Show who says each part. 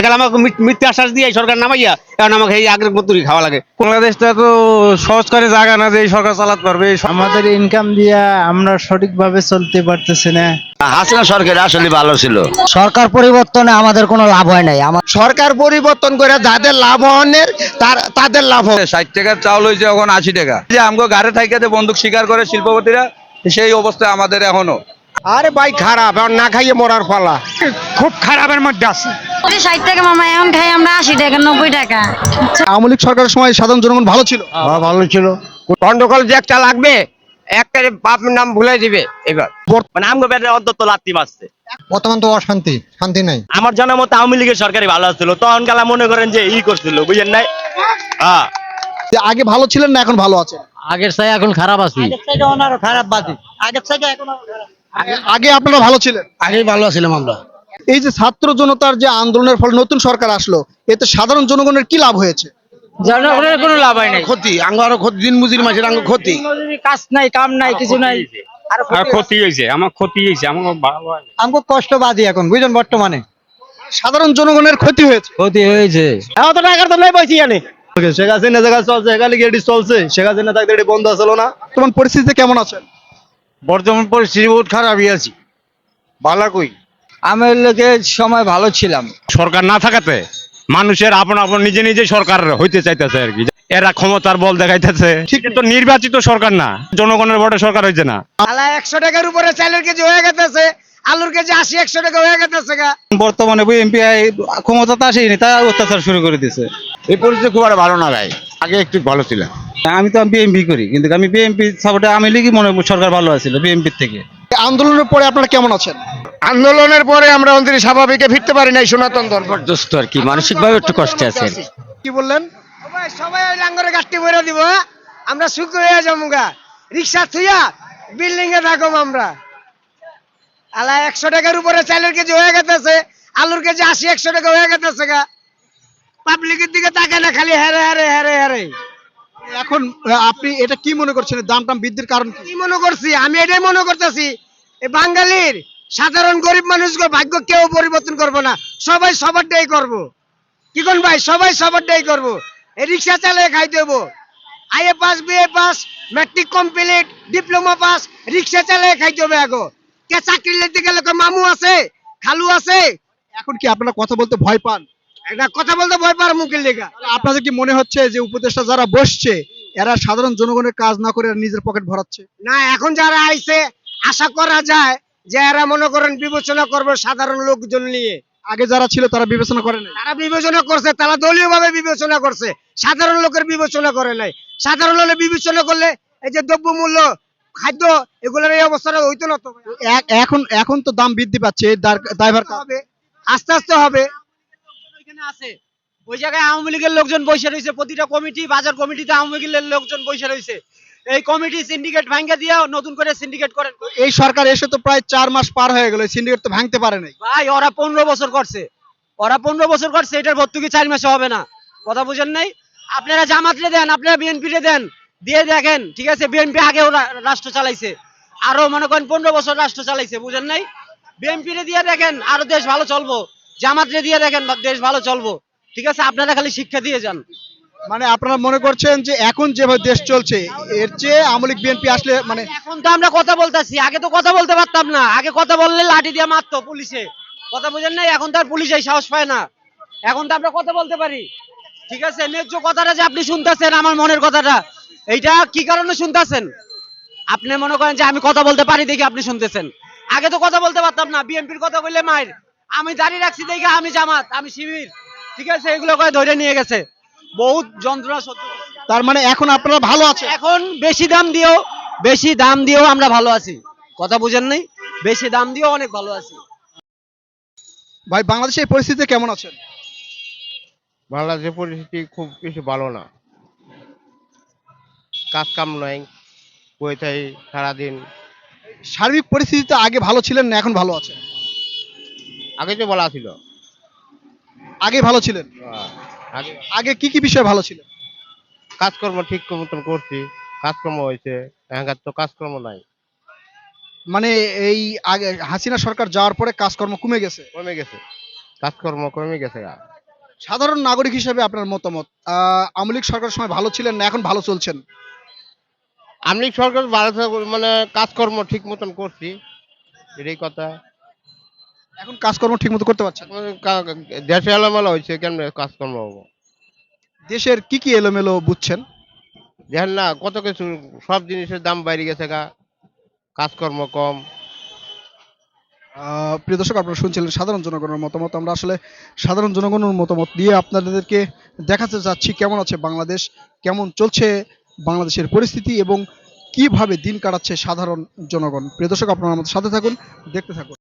Speaker 1: আমাকে মিথ্যা আশ্বাস দিয়ে এই সরকার নামাইয়া এখন আমাকে এই আগের মতোই খাওয়া লাগে।
Speaker 2: বাংলাদেশটা তো সহজ করে জায়গা না যে এই সরকার চালাতে পারবে।
Speaker 3: আমাদের ইনকাম দিয়া আমরা সঠিকভাবে চলতে পারতেছি না।
Speaker 4: হাসিনা সরকার আসলে ভালো ছিল।
Speaker 5: সরকার পরিবর্তনে আমাদের কোনো লাভ হয় নাই।
Speaker 4: সরকার পরিবর্তন করে যাদের লাভ হনের তাদের লাভ হবে।
Speaker 2: 60 টাকার চাউল হয়েছে এখন 80 টাকা। যে আমগো গাড়ি থাইকাতে বন্দুক শিকার করে শিল্পপতিরা, সেই অবস্থা আমাদের এখনো।
Speaker 4: আরে ভাই খারাপ, এখন না খাইয়ে মরার পালা।
Speaker 1: খুব খারাপের মধ্যে আছে।
Speaker 6: 60 টাকা মামা, এখন খাই আমরা 80 টাকা 90 টাকা।
Speaker 3: আওয়ামী লীগ সরকারের সময় সাধারণ জনগণ ভালো ছিল।
Speaker 4: ভালো ছিল। গন্ডগোল যে একটা লাগবে, একটা বাপের নাম ভুলে দিবে এবার।
Speaker 1: মানে আমগো ব্যাটে অন্তত লাত্তি মারছে।
Speaker 3: বর্তমান তো অশান্তি, শান্তি নাই।
Speaker 1: আমার জানার মতো আওয়ামী লীগের সরকারই ভালো ছিল, তখন কালা মনে করেন যে করছিল, বুঝেন নাই? হ্যাঁ,
Speaker 3: আগে ভালো ছিলেন না এখন ভালো আছেন?
Speaker 5: আগের চাই এখন খারাপ আছি।
Speaker 3: আগে আপনারা ভালো ছিলেন।
Speaker 5: আগেই ভালো আছিলাম আমরা।
Speaker 3: এই যে ছাত্র জনতার যে আন্দোলনের ফলে নতুন সরকার আসলো, এতে সাধারণ জনগণের কি লাভ হয়েছে?
Speaker 5: জনগণের কোনো লাভ হয় নাই।
Speaker 4: ক্ষতি, আরো ক্ষতি, দিন মজুরি মাসের ক্ষতি।
Speaker 5: কাজ নাই, কাম নাই, কিছু নাই।
Speaker 1: ক্ষতি হয়েছে, আমার ক্ষতি হয়েছে, আমার ভালো হয়।
Speaker 3: আমাকে কষ্ট বাদি এখন বুঝলেন, বর্তমানে সাধারণ জনগণের ক্ষতি হয়েছে।
Speaker 5: ক্ষতি হয়েছে।
Speaker 1: এখন তো টাকার তো নাই পয়সা জানে।
Speaker 3: শেখ হাসিনা জায়গা চলছে, এখানে এটি চলছে, শেখ হাসিনা থাকতে এটি বন্ধ আসলো না। তোমার পরিস্থিতি কেমন আছেন?
Speaker 2: বর্তমান পরিস্থিতি বহুত খারাপই আছি।
Speaker 4: ভালো কই
Speaker 5: আমি লোকের সময় ভালো ছিলাম।
Speaker 1: সরকার না থাকাতে মানুষের আপন আপন নিজে নিজে সরকার হইতে চাইতেছে আর কি। এরা ক্ষমতার বল দেখাইতেছে। ঠিক তো, নির্বাচিত সরকার না, জনগণের ভোটে সরকার হয়েছে না।
Speaker 4: 100 টাকার উপরে চালের কেজি হয়ে গেছে, আলুর কেজি 80-100 টাকা হয়ে গেছে।
Speaker 2: বর্তমানে বিএনপি ক্ষমতাতে আসেনি, তাই অত্যাচার শুরু করে দিয়েছে।
Speaker 4: এই পরিস্থিতি খুব একটা ভালো না ভাই, আগে একটু ভালো ছিল।
Speaker 2: আমি তো বিএনপি করি, কিন্তু আমি বিএনপি সাপোর্টে আমি লিগই মনে হয় সরকার ভালো আছিল বিএনপির থেকে।
Speaker 3: আন্দোলনের পরে আপনারা কেমন আছেন?
Speaker 4: আন্দোলনের পরে আমরা অন্তরে স্বাভাবিকে ফিরতে পারি নাই, সনাতন ধর্ম
Speaker 5: দোস্ত আর কি মানসিক ভাবে একটু কষ্টে আছে।
Speaker 3: কি বললেন?
Speaker 4: সবাই ওই লাঙ্গরে গাছটি ভরে দিব, আমরা সুখ হয়ে যাবো গা। রিক্সা থুইয়া বিল্ডিং এ থাকো আমরা। 100 টাকার উপরে চালের কেজি হয়ে গেছে, আলুর কেজি 80-100 টাকা হয়ে গেছে গা। পাবলিকের দিকে তাকায় না, খালি হেরে হেরে হেরে হেরে।
Speaker 3: এখন আপনি এটা কি মনে করছেন, দাম টাম বৃদ্ধির কারণ কি?
Speaker 4: কি মনে করছি আমি, এটাই মনে করতেছি এই বাঙালির সাধারণ গরিব মানুষগুলো ভাগ্য কেউ পরিবর্তন করবো না, সবাই সবারটাই করবো। কি কোন ভাই, সবাই সবারটাই করবো। এই রিক্সা চালিয়ে খাই দেবো, IA pass, BA pass, matric complete, diploma pass, rickshaw চালিয়ে খাইতে হবে। আগে কে চাকরি নিতে গেলে মামু আছে, খালু আছে।
Speaker 3: এখন কি আপনারা কথা বলতে ভয় পান?
Speaker 4: এটা কথা বলতে ভয় পার মুখের লেখা।
Speaker 3: আপনাদের কি মনে হচ্ছে যে উপদেষ্টা যারা বসছে এরা সাধারণ জনগণের কাজ না করে এরা নিজের পকেট ভরাচ্ছে?
Speaker 4: না, এখন যারা আইছে আশা করা যায় যে এরা মনে করেন বিবেচনা করবে সাধারণ লোকজন নিয়ে।
Speaker 3: আগে যারা ছিল তারা বিবেচনা করে নাই।
Speaker 4: তারা বিবেচনা করছে, তারা দলীয় ভাবে বিবেচনা করছে, সাধারণ লোকের বিবেচনা করে নাই। সাধারণ লোকের বিবেচনা করলে এই যে দ্রব্যমূল্য, খাদ্য, এগুলোর এই অবস্থাটা হইতো না তো।
Speaker 3: এখন এখন তো দাম বৃদ্ধি পাচ্ছে, এই দায়ভার
Speaker 4: হবে, আস্তে আস্তে হবে।
Speaker 7: এখানে আছে ওই জায়গায় আওয়ামী লীগের লোকজন বসে রয়েছে, প্রতিটা কমিটি, বাজার কমিটিতে আওয়ামী লীগের লোকজন বসে রয়েছে। এই কমিটি সিন্ডিকেট ভাঙ্গা দিয়ে নতুন করে সিন্ডিকেট করেন।
Speaker 3: এই সরকার এসে তো প্রায় 4 মাস পার হয়ে গেল, সিন্ডিকেট তো ভাঙতে পারে নাই।
Speaker 7: ভাই ওরা 15 বছর করছে, ওরা 15 বছর করছে, এটার ভর্তুকি 4 মাসে হবে না। কথা বুঝেন নাই? আপনারা জামাতরে দেন, আপনারা বিএনপিরে দেন, দিয়ে দেখেন। ঠিক আছে, বিএনপি আগেও রাষ্ট্র চালাইছে, আরো মনে করেন 15 বছর রাষ্ট্র চালাইছে, বুঝেন নাই? বিএনপিরে দিয়ে দেখেন, আরো দেশ ভালো চলবো। জামাতরে দিয়ে দেখেন, দেশ ভালো চলবো। ঠিক আছে, আপনারা খালি শিক্ষা দিয়ে যান।
Speaker 3: মানে আপনারা মনে করছেন যে এখন যেভাবে দেশ চলছে এর চেয়ে আওয়ামী লীগ বিএনপি আসলে মানে
Speaker 7: এখন তো আমরা কথা বলতেছি, আগে তো কথা বলতে পারতাম না। আগে কথা বললে লাঠি দিয়ে মারতো পুলিশে। কথা বুঝেন নাই? এখন তো আর পুলিশ এই সাহস পায় না। এখন তো আমরা কথা বলতে পারি। ঠিক আছে, ন্যায্য কথাটা যে আপনি শুনতেছেন, আমার মনের কথাটা, এইটা কি কারণে শুনতেছেন? আপনি মনে করেন যে আমি কথা বলতে পারি দেখে আপনি শুনতেছেন। আগে তো কথা বলতে পারতাম না, বিএনপির কথা বললে মায়ের। আমি দাঁড়িয়ে রাখছি দেখে আমি জামাত, আমি শিবির, ঠিক আছে, এগুলো করে ধরে নিয়ে গেছে, বহুত যন্ত্রণা সহ্য করছি।
Speaker 3: তার মানে এখন আপনারা ভালো আছে?
Speaker 7: এখন বেশি দাম দিয়েও আমরা ভালো আছি। কথা বুঝেন নাই? বেশি দাম দিয়েও অনেক ভালো আছি।
Speaker 3: ভাই বাংলাদেশের এই পরিস্থিতি কেমন আছেন?
Speaker 8: বাংলাদেশের পরিস্থিতি খুব কিছু ভালো না, কাজ কাম নাই, বইথাই সারাদিন।
Speaker 3: সার্বিক পরিস্থিতিতে আগে ভালো ছিলেন না এখন ভালো আছেন?
Speaker 8: আগে তো বলা ছিল,
Speaker 3: আগে ভালো ছিলেন।
Speaker 8: আগে
Speaker 3: আগে কি কি বিষয় ভালো ছিল?
Speaker 8: কাজকর্ম ঠিক মতন করছি, কাজকর্ম হয়েছে। এখানকার তো কাজকর্ম নাই,
Speaker 3: মানে এই আগে হাসিনা সরকার যাওয়ার পরে কাজকর্ম কমে গেছে।
Speaker 8: কমে গেছে, কাজকর্ম কমে গেছে।
Speaker 3: সাধারণ নাগরিক হিসেবে আপনার মতামত, আওয়ামী লীগ সরকারের সময় ভালো ছিলেন না এখন ভালো চলছেন?
Speaker 8: আমি সরকার ভালো মানে কাজকর্ম ঠিক মতন করছি, এটাই কথা।
Speaker 3: এখন কাজকর্ম ঠিক মতো করতে পারছেন?
Speaker 8: এখন দেশে এলোমেলো হয়েছে, কেমনে কাজকর্ম হবো?
Speaker 3: দেশের কি কি এলোমেলো বুঝছেন?
Speaker 8: দেখেন না কত কিছু, সব জিনিসের দাম বাইরে গেছে গা, কাজকর্ম কম।
Speaker 3: প্রিয় দর্শক, আপনারা শুনছিলেন সাধারণ জনগণের মতামত। আমরা আসলে সাধারণ জনগণের মতামত দিয়ে আপনাদেরকে দেখাতে যাচ্ছি কেমন আছে বাংলাদেশ, কেমন চলছে বাংলাদেশের পরিস্থিতি এবং কিভাবে দিন কাটাচ্ছে সাধারণ জনগণ। প্রিয় দর্শক, আপনারা আমাদের সাথে থাকুন, দেখতে থাকুন।